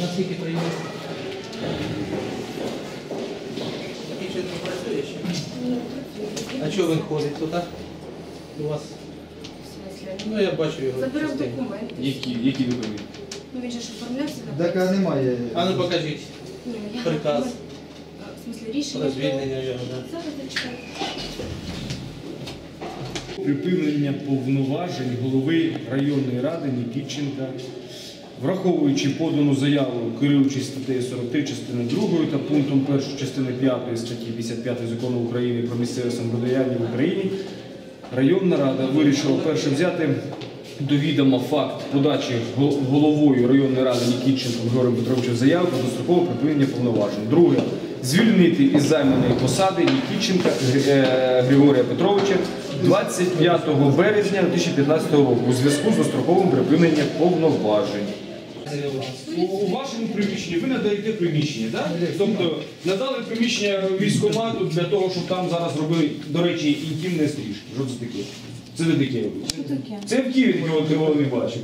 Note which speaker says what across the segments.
Speaker 1: Наскільки прийняли? Більше не працює ще? А чого він ходить туди? У вас? Ну я бачу його.
Speaker 2: Заберемо
Speaker 1: частенько.
Speaker 2: документи.
Speaker 3: Які документи?
Speaker 2: Ну він же ж оформлявся.
Speaker 4: Так а немає.
Speaker 1: А ну покажіть.
Speaker 2: Ні, я
Speaker 1: Приказ.
Speaker 2: В смысле рішення.
Speaker 1: Про звільнення його, так?
Speaker 2: Зараз зачекайте.
Speaker 3: Припинення повноважень голови районної ради Нікітченка, враховуючи подану заяву, керуючись статтею 43 частини 2 та пунктом 1 частини 5 статті 55 Закону України про місцеве самоврядування в Україні, районна рада вирішила перше взяти до відома факт подачі головою районної ради Нікітченком Григорієм Петровичем заяви про дострокове припинення повноважень. Друге. Звільнити із займаної посади Нікітченка Григорія Петровича 25 березня 2015 року у зв'язку з достроковим припиненням повноважень. У вашому приміщенні ви надаєте приміщення, так? Тобто надали приміщення військкомату для того, щоб там зараз робили, до речі, інтимне стрижки. Що це таке? Це ви таке робите? Це в Києві такого не бачив.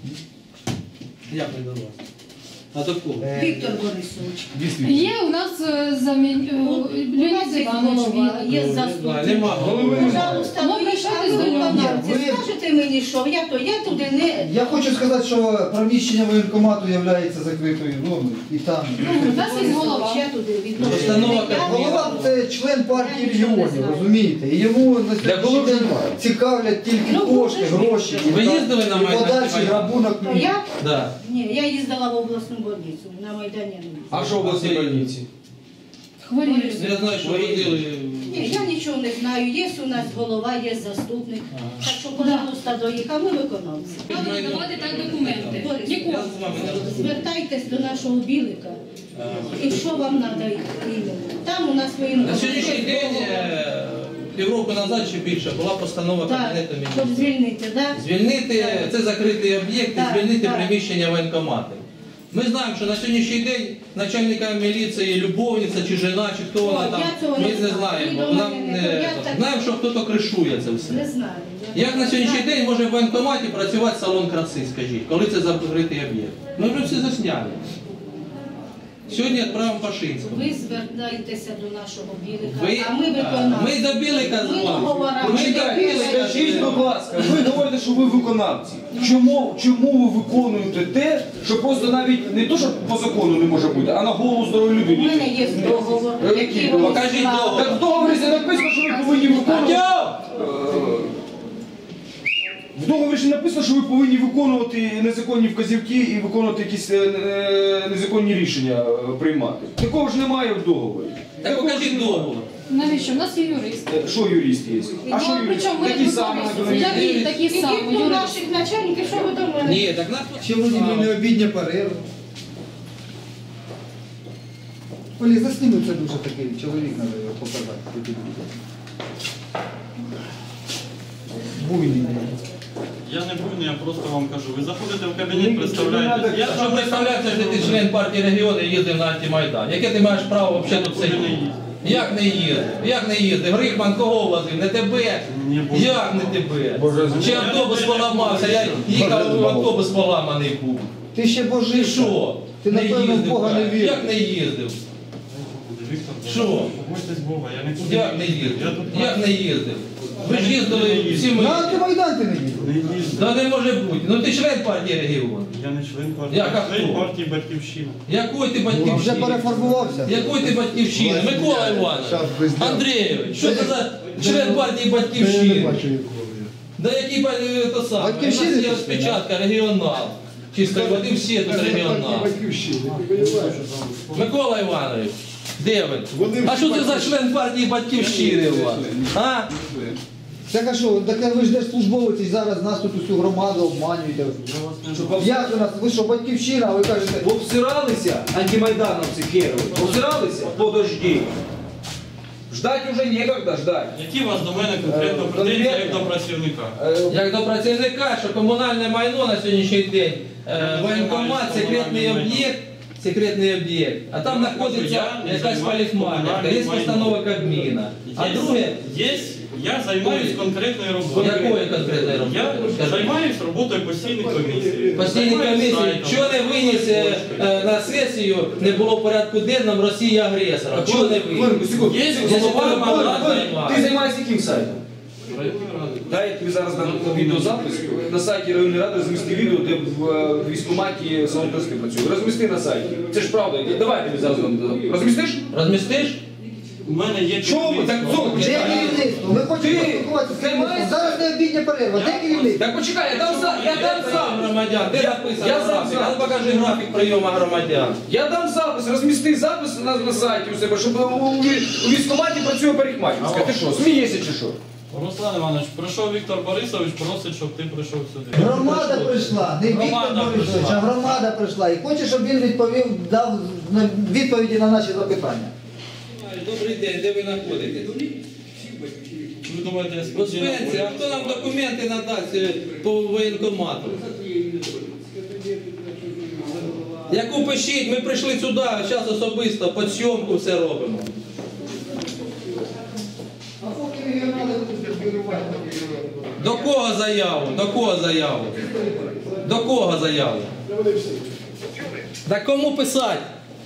Speaker 1: Як не до вас? А до кого?
Speaker 5: Віктор Борисович.
Speaker 2: Є у нас Леонід Іванович.
Speaker 5: Є заступник.
Speaker 1: Нема голови.
Speaker 5: Пожалуйста,
Speaker 2: Ну,
Speaker 5: ви
Speaker 2: прийшли до
Speaker 5: виконавці.
Speaker 4: Ви-
Speaker 5: Скажете мені, що я туди не...
Speaker 4: Я хочу сказати, що приміщення воєнкомату є закритою зоною. І там.
Speaker 2: У нас є голова.
Speaker 5: Я туди
Speaker 1: Постанова
Speaker 5: відношу.
Speaker 4: Голова це член партії регіонів, розумієте? І йому на сьогоднішній день цікавлять тільки кошти, гроші.
Speaker 1: Ви їздили на
Speaker 4: і
Speaker 1: Майдан?
Speaker 4: подальший грабунок.
Speaker 5: То я?
Speaker 1: Да.
Speaker 5: Ні, я їздила в обласну больницю, на Майдані. не їздила.
Speaker 3: А що у вас є больниці?
Speaker 2: Хворіють.
Speaker 1: Я знаю, що водили.
Speaker 5: Ні, я нічого не знаю. Є у нас голова, є заступник. Так що, пожалуйста, до їх, а ми виконавці.
Speaker 2: Давати так документи.
Speaker 5: Борис,
Speaker 2: Нікого.
Speaker 1: Я з вами не розмовляю.
Speaker 5: Звертайтесь до нашого білика. І що вам треба іменно? Там у нас
Speaker 1: На
Speaker 5: воєнкомат.
Speaker 1: сьогоднішній день, півроку назад чи більше, була постанова
Speaker 5: Так,
Speaker 1: Кабінету
Speaker 5: щоб
Speaker 1: Міністрів.
Speaker 5: звільнити, так?
Speaker 1: Звільнити, це закритий об'єкт, і
Speaker 5: Так,
Speaker 1: звільнити
Speaker 5: так.
Speaker 1: приміщення воєнкомату. Ми знаємо, що на сьогоднішній день начальника міліції, любовниця чи жена, чи хто вона
Speaker 5: О,
Speaker 1: там,
Speaker 5: я цього не
Speaker 1: ми не
Speaker 5: знаю.
Speaker 1: знаємо.
Speaker 5: Ви до
Speaker 1: Нам
Speaker 5: мене не- я так-
Speaker 1: знаємо, що хтось кришує це
Speaker 5: Не
Speaker 1: все.
Speaker 5: знаю.
Speaker 1: Як на сьогоднішній день може в воєнкоматі працювати салон краси, скажіть, коли це закритий об'єкт? Ми вже всі засняли. Сьогодні відправимо Пашинського.
Speaker 5: Ви звертайтеся до нашого білика,
Speaker 1: Ви-
Speaker 5: а ми виконавці.
Speaker 1: Ми до білика
Speaker 5: Ми
Speaker 1: дзвонимо.
Speaker 5: договорами.
Speaker 1: Ми до білика
Speaker 3: Скажіть, будь ласка, ви говорите, що ви виконавці. Чому ви виконуєте те, що просто навіть не то, що по закону не може бути, а на голову здорової
Speaker 5: У
Speaker 3: людини?
Speaker 5: мене є договор, який вони
Speaker 1: Покажіть
Speaker 5: склали.
Speaker 1: договор.
Speaker 3: Так в договорі написано, що ви повинні виконувати. В договорі ж написано, що ви повинні виконувати незаконні вказівки і виконувати якісь незаконні рішення приймати. Такого ж немає в договорі.
Speaker 1: Так покажіть договор.
Speaker 2: Навіщо? У нас є юрист.
Speaker 3: Що юрист є? А що юрист?
Speaker 2: Причому ми
Speaker 3: Такі
Speaker 2: не
Speaker 3: самі
Speaker 2: виконуємо. Такі
Speaker 5: Ідіть
Speaker 2: самі
Speaker 5: до
Speaker 2: юрист.
Speaker 5: наших начальників, що ви до мене?
Speaker 1: Ні, так нас...
Speaker 4: Ще вроді би не обідня перерва. Олі, засніми це дуже такий чоловік, треба його показати. Буйний.
Speaker 6: Я не буйний, я просто вам кажу. Ви заходите в кабінет, представляєте. Я
Speaker 1: Що представляється, що ти член партії регіону і їздив на антимайдан. Яке ти маєш право взагалі тут сидіти? Як не їздив? Як не їздив? Грихман кого возив? Не тебе?
Speaker 6: Ні, Боже.
Speaker 1: Як не тебе? Чи автобус поламався? Я їхав, автобус поламаний був.
Speaker 4: Ти ще
Speaker 1: Ти
Speaker 4: божий.
Speaker 1: що?
Speaker 4: Ти, напевно, в Бога не
Speaker 1: так?
Speaker 4: віриш.
Speaker 1: Як не їздив?
Speaker 6: Віктор,
Speaker 1: Що?
Speaker 6: побойтесь Бога, я нікуди
Speaker 1: Як не
Speaker 6: Я
Speaker 1: їздив?
Speaker 6: тут
Speaker 1: Як не їздив? Ви ж їздили всі ми.
Speaker 4: На антимайдан ти не їздив.
Speaker 6: не їздив.
Speaker 1: Та не може бути. Ну ти член партії регіону.
Speaker 6: Я не член партії.
Speaker 1: Як, а
Speaker 6: Я член
Speaker 1: хто?
Speaker 6: партії Батьківщина.
Speaker 1: Якої ти
Speaker 4: Вже
Speaker 1: батьківщини?
Speaker 4: перефарбувався.
Speaker 1: Якої ти батьківщини? Микола Іванович,
Speaker 4: Щас без діла.
Speaker 1: Андрійович, що це за член партії батьківщини? Да який то саме?
Speaker 4: Батьківщини
Speaker 1: У нас є
Speaker 4: ти
Speaker 1: розпечатка, регіонал. Чисто води всі тут регіонал. Микола Іванович, де ви? А що це за член партії батьківщини у вас? А?
Speaker 4: Так а що, так ви ж держслужбовець і зараз нас тут усю громаду обманюєте. Як у нас, ви що, батьківщина, а ви кажете,
Speaker 3: Обсиралися антимайдановці херові? Обсиралися? Подожди. Ждать уже некогда ждать.
Speaker 6: Які у вас до мене конкретно претензії, як до працівника?
Speaker 1: Як до працівника, що комунальне майно на сьогоднішній день, воєнкомат, секретний об'єкт, а там знаходиться якась парикмахерка, є постанова Кабміна. А друге,
Speaker 6: Я займаюсь конкретною роботою.
Speaker 1: якою конкретною
Speaker 6: Я
Speaker 1: роботою?
Speaker 6: займаюсь роботою постійних комісій.
Speaker 1: Постійні комісії, що не виніс на на сесію не було в порядку денному Росії агресора. Чого не
Speaker 3: Хвилинку, секунду.
Speaker 1: Є
Speaker 3: Голова,
Speaker 1: мандат
Speaker 3: ти
Speaker 1: займає.
Speaker 3: займаєшся яким сайтом?
Speaker 6: Районної ради.
Speaker 3: Дай я тобі зараз дам відеозапис. На сайті районної ради розмісти відео, де в військкоматі салон краски працює. Розмісти на сайті. Це ж правда. Давай я тобі зараз дам. Розмістиш?
Speaker 1: Розмістиш?
Speaker 6: У мене є
Speaker 3: Що ви? Так,
Speaker 6: керівництво.
Speaker 3: знову
Speaker 4: Де
Speaker 3: почекай.
Speaker 4: керівництво? Ми хочемо поспілкуватися з керівництвом. Зараз не обідня перерва. Де керівництво?
Speaker 3: Так почекай, я дам сам.
Speaker 1: Громадян, де написано
Speaker 3: я сам
Speaker 1: графік?
Speaker 3: знаю.
Speaker 1: А покажи графік прийому громадян.
Speaker 3: Я дам запис, розмісти запис на сайті у себе, щоб у військкоматі працює парикмахерська. Ти що, смієшся чи що?
Speaker 6: Руслан Іванович, прийшов Віктор Борисович, просить, щоб ти прийшов сюди.
Speaker 4: Громада прийшла, не Віктор
Speaker 6: Громада
Speaker 4: Борисович,
Speaker 6: прийшла.
Speaker 4: а громада прийшла. І хоче, щоб він дав відповіді на наші запитання.
Speaker 1: Добрий день, де ви знаходитесь?
Speaker 6: Ви думаєте, я
Speaker 1: Госпенці, а хто нам документи надасть по воєнкомату? Яку пишіть, ми прийшли сюди, зараз особисто, під зйомку все робимо. До кого заяву? До кого заяву? До кого заяву? Да кому писати?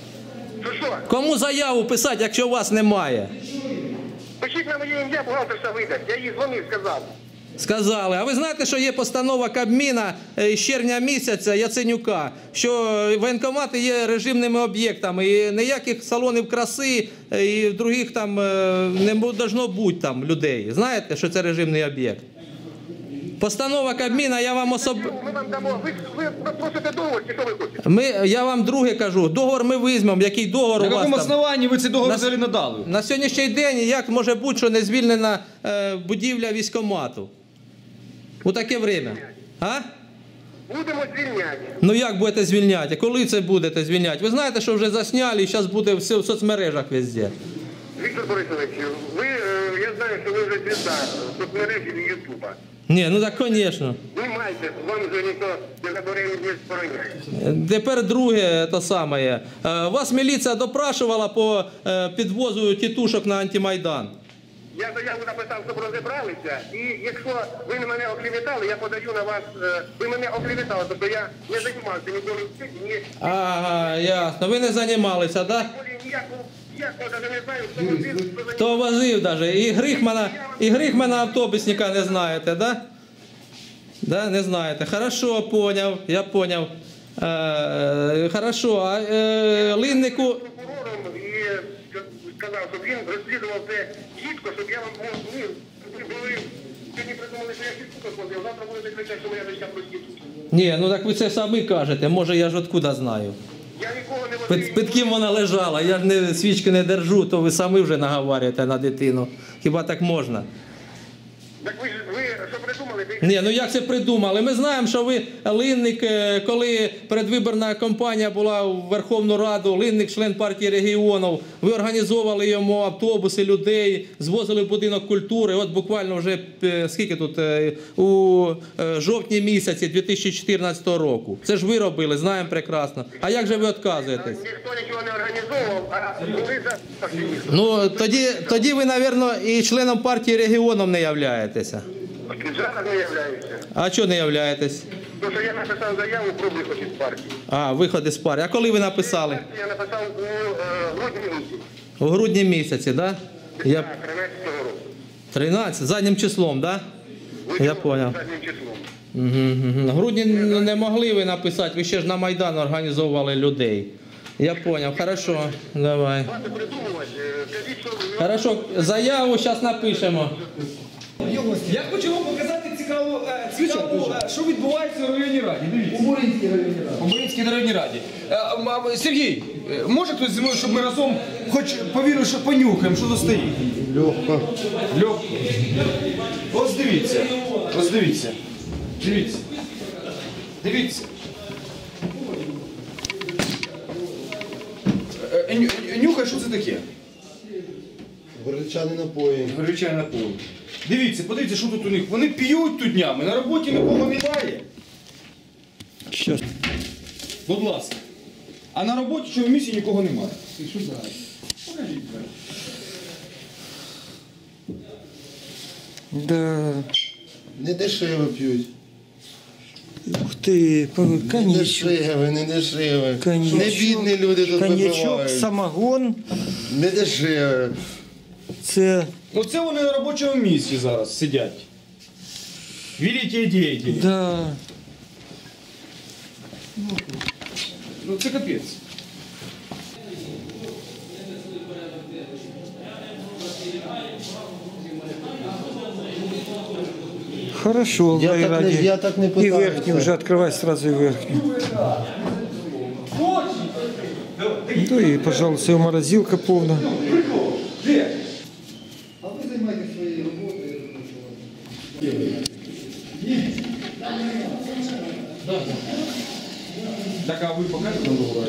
Speaker 1: Кому заяву писати, якщо вас немає?
Speaker 7: Пишіть на моє ім'я, бухгалтерша видасть. Я їй дзвонив, сказав.
Speaker 1: Сказали. А ви знаєте, що є постанова Кабміна з червня місяця Яценюка, що воєнкомати є режимними об'єктами, і ніяких салонів краси і других там не должно бути там людей. Знаєте, що це режимний об'єкт? Постанова Кабміна, я вам
Speaker 7: Ми вам дамо. Ви просите договор, чи що ви хочете?
Speaker 1: Я вам друге кажу, договор ми візьмемо, який договор
Speaker 3: На
Speaker 1: у вас
Speaker 3: якому
Speaker 1: там?
Speaker 3: основанні ви цей договор взагалі надали?
Speaker 1: На сьогоднішній день як може бути, що не звільнена будівля військкомату? У таке время. А?
Speaker 7: Будемо звільняти.
Speaker 1: Ну як будете звільняти? Коли це будете звільняти? Ви знаєте, що вже засняли і зараз буде все в соцмережах везде.
Speaker 7: Віктор Борисович, я знаю, що ви вже звізда соцмережі і Ютуба.
Speaker 1: Ні, ну так, звісно.
Speaker 7: Знімайте, вам вже ніхто не забере і не стороняє.
Speaker 1: Тепер друге те саме. Вас міліція допрашувала по підвозу тітушок на антимайдан.
Speaker 7: Я заяву написав, щоб розібралися, і якщо ви мене оклеветали, я подаю на вас, ви мене оклеветали, тобто я не займався ніколи в світі, ні,
Speaker 1: Ага, ясно. Ви не займалися, так? Да?
Speaker 7: ніякого навіть не знаю, хто возив, хто
Speaker 1: Хто возив даже? І Грихмана автобусника не знаєте, да? Да, не знаєте. Хорошо, поняв, я поняв. Хорошо, а Линнику...
Speaker 7: прокурором і сказав, щоб він розслідував це чітко, щоб я вам ви були, сьогодні придумали, що я чітко ходив, завтра будете кричати, що моя дочка проститутка.
Speaker 1: Ні, ну так ви це самі кажете, може я ж откуда знаю.
Speaker 7: Я нікого не возив.
Speaker 1: Під ким вона лежала, я ж не, свічки не держу, то ви самі вже наговорюєте на дитину. Хіба так можна?
Speaker 7: Так ви що придумали? Ви
Speaker 1: Ні, ну як це придумали? Ми знаємо, що ви Линник, коли передвиборна кампанія була в Верховну Раду, Линник, член партії регіонів, ви організовували йому автобуси, людей, звозили в будинок культури. От буквально вже, скільки тут, у жовтні місяці 2014 року. Це ж ви робили, знаємо прекрасно. А як же ви відказуєтесь?
Speaker 7: ніхто нічого не організовував, а ви за активістом.
Speaker 1: Ну, тоді ви, мабуть, і членом партії регіонів не являєтеся.
Speaker 7: Зараз не являюся.
Speaker 1: А чого не являєтесь?
Speaker 7: Тому що я написав заяву про виход із партії.
Speaker 1: А, виход із партії. А коли ви написали?
Speaker 7: Я написав у грудні місяці.
Speaker 1: У грудні місяці, так? Да? Я...
Speaker 7: 13-го року.
Speaker 1: 13, заднім числом, так? Да? Я зрозумів.
Speaker 7: Заднім числом.
Speaker 1: Угу. В грудні не могли ви написати, ви ще ж на Майдан організовували людей. Я зрозумів, хорошо, давай.
Speaker 7: Бати придумувати, кажіть, що ви...
Speaker 1: Хорошо, заяву зараз напишемо.
Speaker 3: Я хочу вам показати цікаву, що відбувається у районній раді. Дивіться.
Speaker 4: У Буринській районній раді.
Speaker 3: У Буринській районній раді. Сергій, може хтось зі мною, щоб ми разом хоч повірили, що понюхаємо, що тут стоїть?
Speaker 4: Легко.
Speaker 3: Льох. Ось дивіться. Ось дивіться. Дивіться. Дивіться. Нюхай, що це таке?
Speaker 8: Горілчані напої.
Speaker 3: Горілчані напої. Дивіться, подивіться, що тут у них. Вони п'ють тут днями, на роботі нікого немає.
Speaker 1: Що?
Speaker 3: Будь ласка. А на роботі чи в місті нікого немає.
Speaker 8: Да. Не дешево п'ють.
Speaker 1: Ух
Speaker 8: ти,
Speaker 9: Не
Speaker 8: коньячок.
Speaker 9: дешеве, не дешеве.
Speaker 8: Коньячок.
Speaker 9: Не бідні люди тут
Speaker 8: Коньячок,
Speaker 9: випивають.
Speaker 8: самогон.
Speaker 9: Не дешеве.
Speaker 8: Це,
Speaker 3: Оце вони на робочому місці зараз сидять. Великі діятелі.
Speaker 8: да.
Speaker 3: Ну це капець.
Speaker 8: Хорошо,
Speaker 9: Я так не-
Speaker 8: райраді.
Speaker 9: я так не
Speaker 8: І
Speaker 9: питаюся.
Speaker 8: верхню вже відкривай сразу і верхню. Ну і, пожалуйста, і морозилка повна.
Speaker 4: А ви займаєтесь своєю роботою.
Speaker 3: Так, а ви покажете нам договор?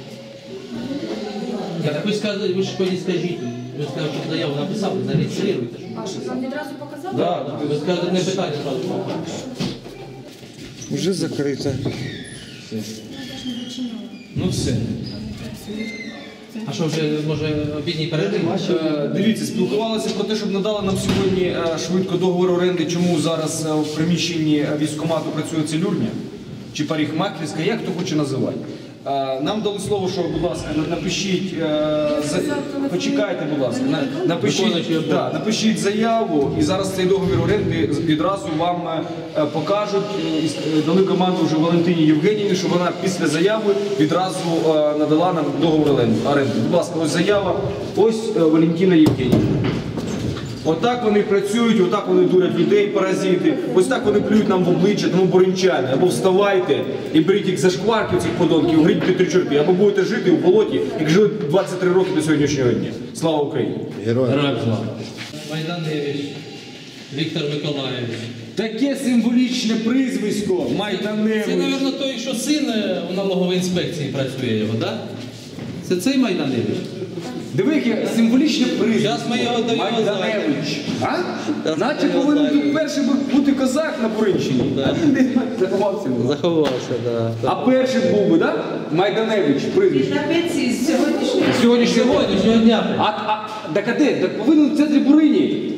Speaker 1: Так ви сказали, ви ж тоді скажіть. Ви сказали, що заяву написали, зареєструйте.
Speaker 2: А що вам відразу показали?
Speaker 1: Так, ви сказали, не питання одразу.
Speaker 8: Вже закрита.
Speaker 3: Ну все.
Speaker 1: А що вже, може, обідній перерив?
Speaker 3: Дивіться, спілкувалися про те, щоб надали нам сьогодні швидко договор оренди, чому зараз в приміщенні військкомату працює целюрня чи парикмахерська, як хто хоче називати. Нам дали слово, що, будь ласка, напишіть, почекайте, будь ласка, напишіть заяву, і зараз цей договір оренди відразу вам покажуть. Дали команду вже Валентині Євгенівні, щоб вона після заяви відразу надала нам договір оренди. Будь ласка, ось заява, ось Валентина Євгенівна. Отак вони працюють, отак вони дурять людей, паразити, ось так вони плюють нам в обличчя, тому боринчани. Або вставайте і беріть їх за шкварки цих подонків, гріть три чорти, або будете жити у болоті, як жили 23 роки до сьогоднішнього дня. Слава Україні!
Speaker 1: Героям слава! Майданевич Віктор Миколаївич.
Speaker 3: Таке символічне прізвисько, Майданевич.
Speaker 1: Це, мабуть, той, що син у налоговій інспекції працює його, так? Це цей Майданевич?
Speaker 3: Диви, яке символічне прізвисько.
Speaker 1: Зараз ми його до його
Speaker 3: Майданевич. Наче повинен тут перший бути козак на Буринщині. А він десь заховався.
Speaker 1: Заховався, так.
Speaker 3: А перший був би, так? Майданевич, прізвище.
Speaker 5: На пенсії з сьогоднішнього.
Speaker 1: Сьогоднішнього дня.
Speaker 3: Так а де? Так повинен в центрі Бурині.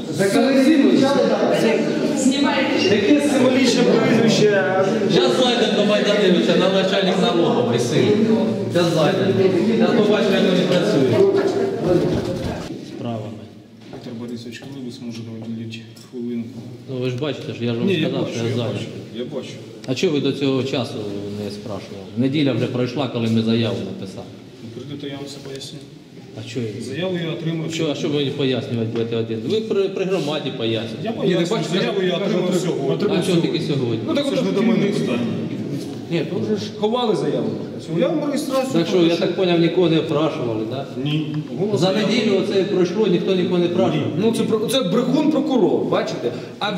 Speaker 3: Таке символічне прізвище.
Speaker 1: Зараз зайдемо до Майданевича, на начальник налоговий син. Зараз зайдемо. Я побачу, як вони працюють. Справами.
Speaker 3: Віктор Борисович, коли ви зможете виділити хвилинку?
Speaker 1: Ну ви ж бачите, що я ж вам сказав, що я зайнятий.
Speaker 3: Я бачу.
Speaker 1: А чого ви до цього часу не спрашували? Неділя вже пройшла, коли ми заяву написали.
Speaker 3: Прийдете, я вам все поясню.
Speaker 1: А що?
Speaker 3: Заяву я отримав.
Speaker 1: А що ви пояснювати будете один? Ви при громаді поясните.
Speaker 3: Я поясню, заяву я отримав сьогодні.
Speaker 1: А чого тільки сьогодні?
Speaker 3: Ну так от не до мене питання. Ні, то вже ж ховали заяву. Я вам реєстрацію.
Speaker 1: Так що, я так зрозумів, нікого не опрашували, так?
Speaker 3: Ні.
Speaker 1: За неділю оце пройшло, ніхто нікого не опрашував.
Speaker 3: Ну це брехун прокурор, бачите? А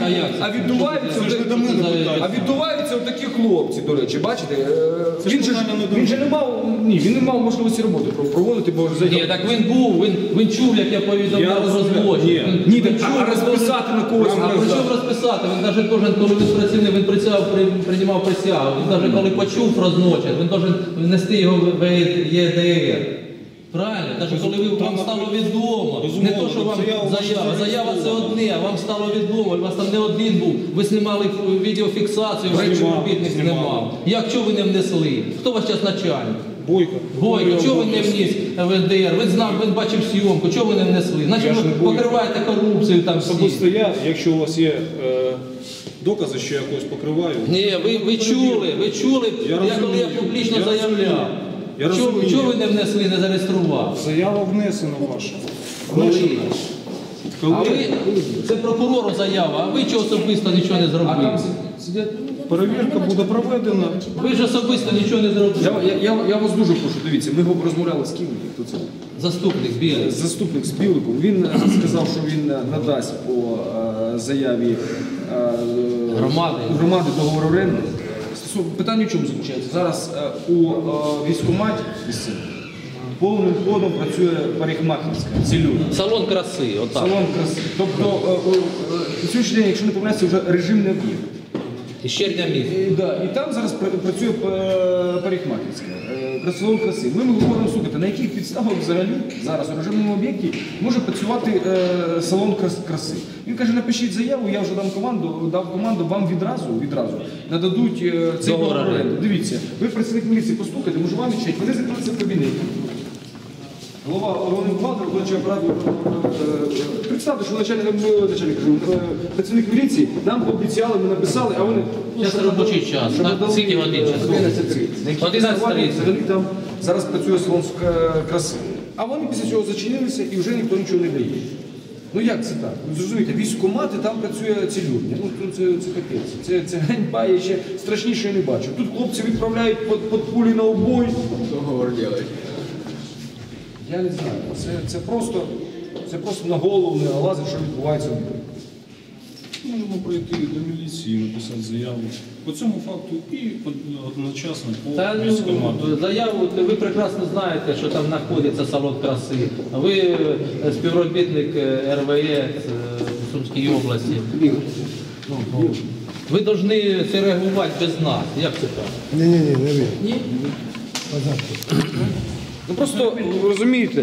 Speaker 3: віддуваються отакі хлопці, до речі, бачите? Він же не мав можливості роботи проводити, бо
Speaker 1: Ні, так він був, він чув, як я повідомляв про злочин.
Speaker 3: Ні, а розписати на когось.
Speaker 1: А при чому розписати? Він навіть кожен, коли він працівник, він приймав присягу. Він навіть коли почув про злочин, він повинен внести його в ЄДР. Правильно? Навіть коли вам стало відомо, не то, що вам заява це одне, а вам стало відомо, у вас там не один був, ви знімали відеофіксацію, що співробітник знімав. Як, чого ви не внесли? Хто ваш зараз начальник? Бойко, чого ви не вніс в ЄДР? Він знав, він бачив зйомку, чого ви не внесли? Значить ви покриваєте корупцію там всі.
Speaker 10: Особисто я, якщо у вас є докази, що я когось покриваю.
Speaker 1: Ні, ви чули, коли я публічно заявляв. Чого ви не внесли, не зареєстрували?
Speaker 10: Заява внесена ваша.
Speaker 1: А ви, це прокурору заява, а ви чого особисто нічого не зробили?
Speaker 10: Перевірка буде проведена.
Speaker 1: Ви ж особисто нічого не зробили.
Speaker 3: Я вас дуже прошу, дивіться, ми розмовляли з ким? Хто це?
Speaker 1: Заступник з Біликом.
Speaker 3: Заступник з Біликом. Він сказав, що він надасть по заяві громади договор оренди. Питання в чому заключається? Зараз у військкоматі повним ходом працює парикмахерська, целюрня.
Speaker 1: Салон краси, отак.
Speaker 3: Салон краси. Тобто, на сьогоднішній день, якщо не помиляюся, вже режимний об'єкт.
Speaker 1: Із червня місяця.
Speaker 3: Да, і там зараз працює парикмахерська, салон краси. Ми говоримо, слухайте, на яких підставах взагалі зараз у режимному об'єкті може працювати салон краси. Він каже, напишіть заяву, я вже дав команду, вам відразу нададуть цей договор оренди. Дивіться, ви працівник міліції, постукайте, може вам відчать, вони закриються в кабінеті. Голова головний бухгалтер, виконуючий апарат, представте, що працівник міліції нам пообіцяли, ми написали, а вони...
Speaker 1: Це робочий час, так? Скільки годин часу? 11:30.
Speaker 3: Взагалі там зараз працює салон краси. А вони після цього зачинилися і вже ніхто нічого не дає. Ну як це так? Ви зрозумієте, військкомати, там працює цілюрня. Ну це капець. Це ганьба, я ще страшніше не бачу. Тут хлопці відправляють під пулі на обой. Договор роблять. Я не знаю, це просто на голову не налазить, що відбувається в мірі.
Speaker 10: Можемо пройти до міліції, написати заяву по цьому факту і одночасно по військкомату.
Speaker 1: Заяву, ви прекрасно знаєте, що там знаходиться салон краси. Ви співробітник РВЕ в Сумській області. Ви повинні це реагувати без нас. Як це так? Ні?
Speaker 3: Ну просто, ви розумієте,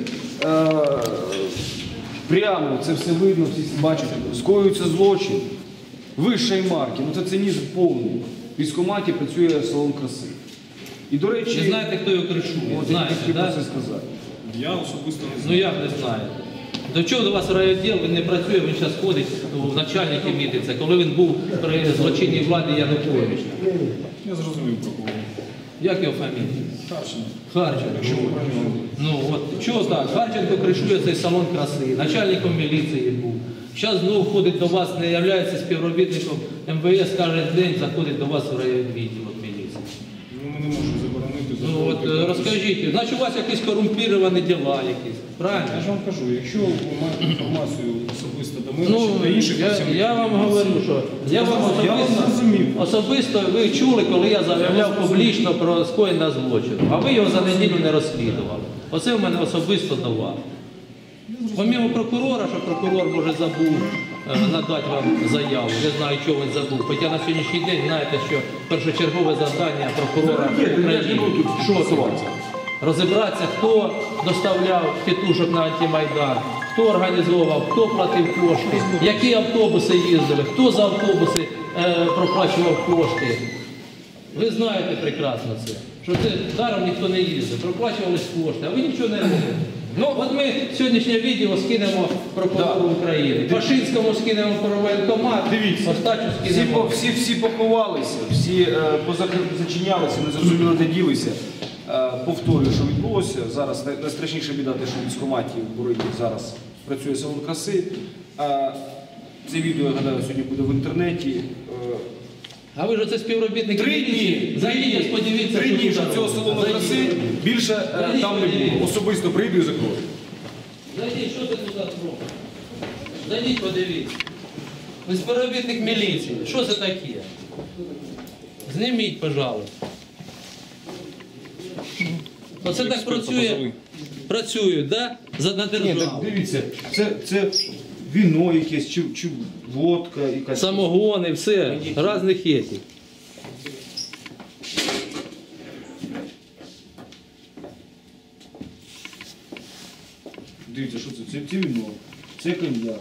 Speaker 3: прямо це все видно, всі бачать, скоюється злочин, вищої марки, ну це цинізм повний. В військкоматі працює салон краси. І, до речі...
Speaker 1: Ви знаєте, хто його кришує? Знаєте, так?
Speaker 3: Це сказати.
Speaker 10: Я особисто не знаю.
Speaker 1: Ну як не знаєте? До чого до вас райвідділ, він не працює, він зараз ходить в начальники мітиться, коли він був при злочинній владі Януковича.
Speaker 10: Я зрозумів про кого.
Speaker 1: Як його фамілія? Харченко. Ну от, чого так? Харченко кришує цей салон краси, начальником міліції був. Зараз знову ходить до вас, не являється співробітником МВС, кожен день заходить до вас в райвідділ міліції.
Speaker 10: Ну, ми не можемо заборонити.
Speaker 1: Ну от розкажіть, значить у вас якісь корумпіровані діла якісь, правильно?
Speaker 10: Я ж вам кажу, якщо ви маєте інформацію особисто до мене, чи до інших працівників,
Speaker 1: я вам говорю, що я вам особисто ви чули, коли я заявляв публічно про скоєння злочину, а ви його за неділю не розслідували. Оце в мене особисто до вас. Помімо прокурора, що прокурор, може, забув надати вам заяву, не знаю, чого він забув. Хоча на сьогоднішній день знаєте, що першочергове завдання прокурора України, що це? Розібратися, хто доставляв тітушок на антимайдан, хто організовував, хто платив кошти, які автобуси їздили, хто за автобуси проплачував кошти. Ви знаєте прекрасно це, що це даром ніхто не їздив, проплачувались кошти, а ви нічого не робите. Ну, от ми сьогоднішнє відео скинемо прокурору України, Пашинському скинемо про воєнкомат, Остачу скинемо.
Speaker 3: Всі поховалися, всі позачинялися, не зрозуміло, де ділися. Повторюю, що відбулося. Зараз найстрашніша біда, те, що в військкоматі в Борині зараз працює салон краси. Це відео, я гадаю, сьогодні буде в інтернеті.
Speaker 1: А ви ж оце співробітник міліції? Зайдіть, подивіться,
Speaker 3: 3 дні, що цього салону краси більше там не було. Особисто прийду і закрою.
Speaker 1: Зайдіть, що ти тут зробив? Зайдіть, подивіться. Ви співробітник міліції. Що це таке? Зніміть, пожалуйста. Оце так працюють, так? На державу.
Speaker 3: Дивіться, це віно якесь, чи водка якась.
Speaker 1: Самогони, все, різних є.
Speaker 3: Дивіться, що це? Це віно, це коньяк.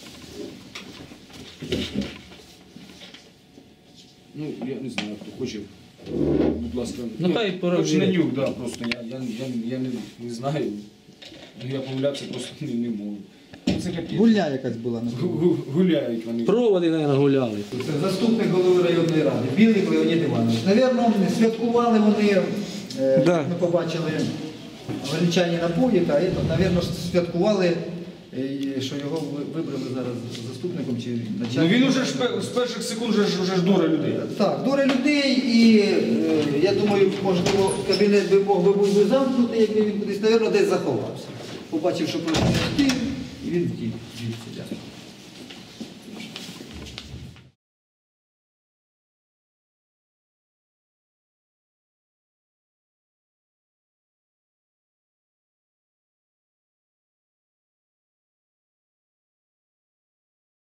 Speaker 3: Ну, я не знаю, хто хоче. Будь ласка,
Speaker 1: ну, хай
Speaker 3: хоч на нюх, да, просто я не знаю. Я помилятися просто не можу.
Speaker 4: Гульня якась була.
Speaker 3: Гуляють вони.
Speaker 1: Проводи, мабуть, гуляли.
Speaker 4: Це заступник голови районної ради, Білик Леонід Іванович. Навірно, святкували вони, ми побачили венчальні напої, та навірно, святкували, що його вибрали зараз заступником чи начальником.
Speaker 3: Ну він уже з перших секунд вже ж дуре людей.
Speaker 4: Так, дуре людей, і я думаю, можливо, кабінет би мог би бути замкнутий, якби він кудись, навірно, десь заховався. Побачив, що пройшов стиль, і він втік.